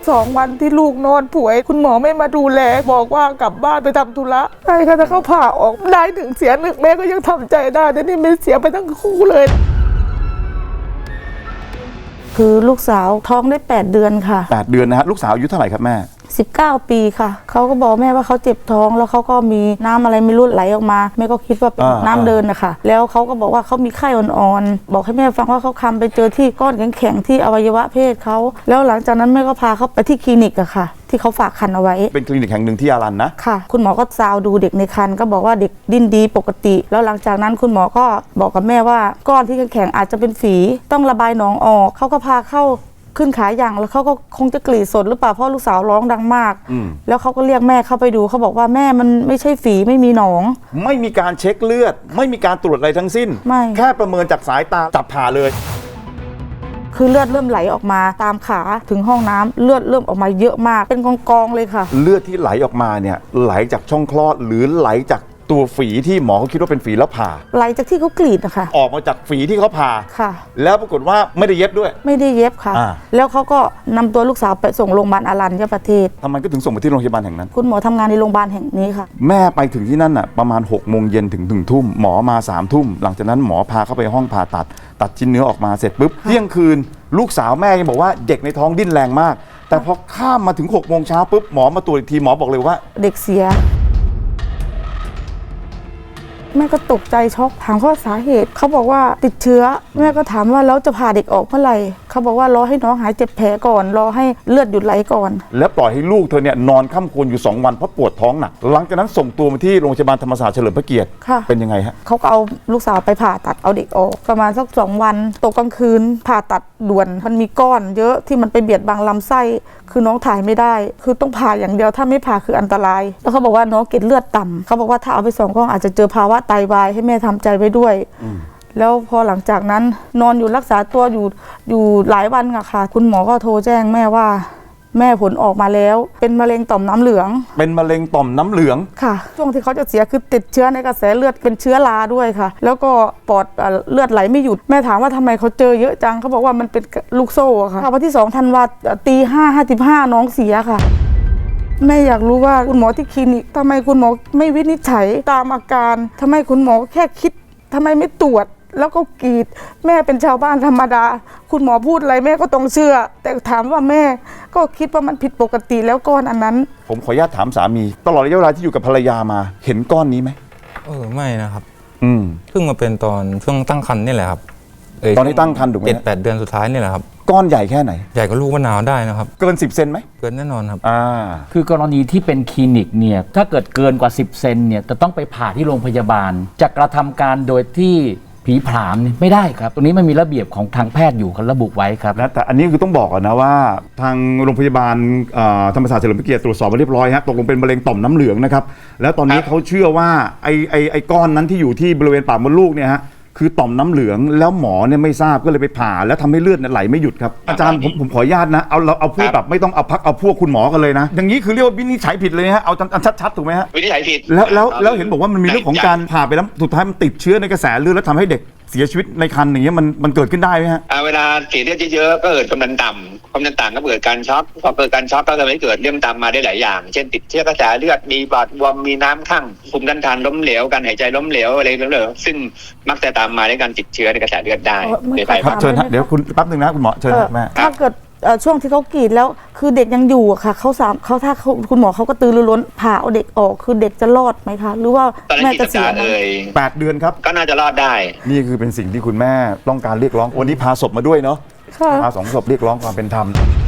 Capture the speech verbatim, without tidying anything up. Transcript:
สองวันที่ลูกนอนป่วยคุณหมอไม่มาดูแลบอกว่ากลับบ้านไปทำธุระใช่ค่ะถ้าเขาผ่าออกได้ถึงเสียหนึ่งแม่ก็ยังทำใจได้แต่นี่ไม่เสียไปทั้งคู่เลยคือลูกสาวท้องได้แปดเดือนค่ะแปดเดือนนะฮะลูกสาวอายุเท่าไหร่ครับแม่สิบเก้าปีค่ะเขาก็บอกแม่ว่าเขาเจ็บท้องแล้วเขาก็มีน้ำอะไรไม่รู้ไหลออกมาแม่ก็คิดว่าเป็นน้ำเดินนะคะแล้วเขาก็บอกว่าเขามีไข้อ่อนๆบอกให้แม่ฟังว่าเขาคำไปเจอที่ก้อนแข็งๆที่อวัยวะเพศเขาแล้วหลังจากนั้นแม่ก็พาเขาไปที่คลินิกอะค่ะที่เขาฝากครรภ์เอาไว้เป็นคลินิกแห่งหนึ่งที่อารันนะค่ะคุณหมอก็ซาวดูเด็กในครรภ์ก็บอกว่าเด็กดิ้นดีปกติแล้วหลังจากนั้นคุณหมอก็บอกกับแม่ว่าก้อนที่แข็งๆอาจจะเป็นฝีต้องระบายหนองออกเขาก็พาเข้าขึ้นขาอย่างแล้วเขาก็คงจะกรีดสดหรือเปล่าเพราะลูกสาวร้องดังมากแล้วเขาก็เรียกแม่เข้าไปดูเขาบอกว่าแม่มันไม่ใช่ฝีไม่มีหนองไม่มีการเช็คเลือดไม่มีการตรวจอะไรทั้งสิ้นไม่แค่ประเมินจากสายตาจับผ่าเลยคือเลือดเริ่มไหลออกมาตามขาถึงห้องน้ำเลือดเริ่มออกมาเยอะมากเป็นกองๆเลยค่ะเลือดที่ไหลออกมาเนี่ยไหลจากช่องคลอดหรือไหลจากตัวฝีที่หมอเขาคิดว่าเป็นฝีแล้วผ่าไหลจากที่เขากรีดนะคะออกมาจากฝีที่เขาผ่าค่ะแล้วปรากฏว่าไม่ได้เย็บด้วยไม่ได้เย็บค่ะแล้วเขาก็นำตัวลูกสาวไปส่งโรงพยาบาลอารัญญประเทศทำไมก็ถึงส่งไปที่โรงพยาบาลแห่งนั้นคุณหมอทำงานในโรงพยาบาลแห่งนี้ค่ะแม่ไปถึงที่นั่นอ่ะประมาณหกโมงเย็นถึงถึงทุ่มหมอมาสามทุ่มหลังจากนั้นหมอพาเข้าไปห้องผ่าตัดตัดชิ้นเนื้อออกมาเสร็จปุ๊บเที่ยงคืนลูกสาวแม่ยังบอกว่าเด็กในท้องดิ้นแรงมากแต่พอข้ามมาถึงหกโมงเช้าปุ๊บหมอมาตรวจอีกทีหมอบอกเลยว่าเด็กเสียแม่ก็ตกใจช็อกถามข้อสาเหตุเขาบอกว่าติดเชื้อแม่ก็ถามว่าแล้วจะผ่าเด็กออกเมื่อไหร่เขาบอกว่ารอให้น้องหายเจ็บแผลก่อนรอให้เลือดหยุดไหลก่อนแล้วปล่อยให้ลูกเธอเนี่ยนอนค่ำควรอยู่สองวันเพราะปวดท้องหนักหลังจากนั้นส่งตัวมาที่โรงพยาบาลธรรมศาสตร์เฉลิมพระเกียรติเป็นยังไงฮะเขาก็เอาลูกสาวไปผ่าตัดเอาเด็กออกประมาณสักสองวันตกกลางคืนผ่าตัดด่วนมันมีก้อนเยอะที่มันไปเบียดบังลำไส้คือน้องถ่ายไม่ได้คือต้องผ่าอย่างเดียวถ้าไม่ผ่าคืออันตรายแล้วเขาบอกว่าน้องเกล็ดเลือดต่ำเขาบอกว่าถ้าเอาไปสองก้อนอาจจะเจอภาวะไตวายให้แม่ทำใจไว้ด้วยแล้วพอหลังจากนั้นนอนอยู่รักษาตัวอยู่อยู่หลายวันอะค่ะคุณหมอก็โทรแจ้งแม่ว่าแม่ผลออกมาแล้วเป็นมะเร็งต่อมน้ำเหลืองเป็นมะเร็งต่อมน้ำเหลืองค่ะช่วงที่เขาจะเสียคือติดเชื้อในกระแสเลือดเป็นเชื้อราด้วยค่ะแล้วก็ปอดเลือดไหลไม่หยุดแม่ถามว่าทำไมเขาเจอเยอะจังเขาบอกว่ามันเป็นลูกโซ่ค่ะวันที่สองธันวาตีห้าห้าสิบห้าน้องเสียค่ะแม่อยากรู้ว่าคุณหมอที่คลินิกทำไมคุณหมอไม่วินิจฉัยตามอาการทำไมคุณหมอแค่คิดทำไมไม่ตรวจแล้วก็กรีดแม่เป็นชาวบ้านธรรมดาคุณหมอพูดอะไรแม่ก็ต้องเชื่อแต่ถามว่าแม่ก็คิดว่ามันผิดปกติแล้วก้อนอันนั้นผมขออนุญาตถามสามีตลอดระยะเวลาที่อยู่กับภรรยามาเห็นก้อนนี้ไหมเออไม่นะครับอืมเพิ่งมาเป็นตอนช่วงตั้งครรภ์นี่แหละครับตอนที่ตั้งครรภ์ถูกไหมเจ็ดแปดเดือนสุดท้ายนี่แหละครับก้อนใหญ่แค่ไหนใหญ่กว่าลูกมะนาวได้นะครับเกินสิบเซนไหมเกินแน่นอนครับอ่าคือกรณีที่เป็นคลินิกเนี่ยถ้าเกิดเกินกว่าสิบเซนเนี่ยจะต้องไปผ่าที่โรงพยาบาลจะกระทำการโดยที่ผีผามนี่ไม่ได้ครับตรงนี้มันมีระเบียบของทางแพทย์อยู่เขาระบุไว้ครับและแต่อันนี้คือต้องบอกก่อนนะว่าทางโรงพยาบาลธรรมศาสตร์เฉลิมพระเกียรติตรวจสอบมาเรียบร้อยฮะตกลงเป็นมะเร็งต่อมน้ำเหลืองนะครับแล้วตอนนี้เขาเชื่อว่าไอ้ไอ้ไอ้ก้อนนั้นที่อยู่ที่บริเวณปากมดลูกเนี่ยฮะคือต่อมน้ำเหลืองแล้วหมอเนี่ยไม่ทราบก็เลยไปผ่าแล้วทำให้เลือดไหลไม่หยุดครับอาจารย์ผมผมขออนุญาตนะเอาเราเอาพูดแบบไม่ต้องเอาพักเอาพวกคุณหมอกันเลยนะอย่างนี้คือเรียกว่าวินิจฉัยผิดเลยฮะเอาอันชัดๆถูกไหมฮะวินิจฉัยผิดแล้วแล้วแล้วเห็นบอกว่ามันมีเรื่องของการผ่าไปแล้วสุดท้ายมันติดเชื้อในกระแสเลือดแล้วทำให้เด็กเสียชีวิตในครรภ์อย่างเงี้ยมันมันเกิดขึ้นได้ไหมฮะเวลาเสียเลือดเยอะๆก็เกิดความดันต่ำความดันต่ำก็เกิดการช็อกพอเกิดการช็อกก็ทำให้เกิดเรื่องตามมาได้หลายอย่างเช่นติดเชื้อกระแสเลือดมีบาดบวมมีน้ำข้างภูมิต้านทานล้มเหลวการหายใจล้มเหลวอะไรล้มเหลวซึ่งมักจะตามมาด้วยการติดเชื้อในกระแสเลือดได้ครับเชิญฮะเดี๋ยวคุณแป๊บนึงนะคุณหมอเชิญแม่ถ้าเกิดช่วงที่เขากรีดแล้วคือเด็กยังอยู่อะค่ะเขาสามเขาถ้าคุณหมอเขาก็ตือรือร้นผ่าเอาเด็กออกคือเด็กจะรอดไหมคะหรือว่าแม่จะเสียเลยแปดเดือนครับก็น่าจะรอดได้นี่คือเป็นสิ่งที่คุณแม่ต้องการเรียกร้องวันนี้พาศพมาด้วยเนาะพาสองศพเรียกร้องความเป็นธรรม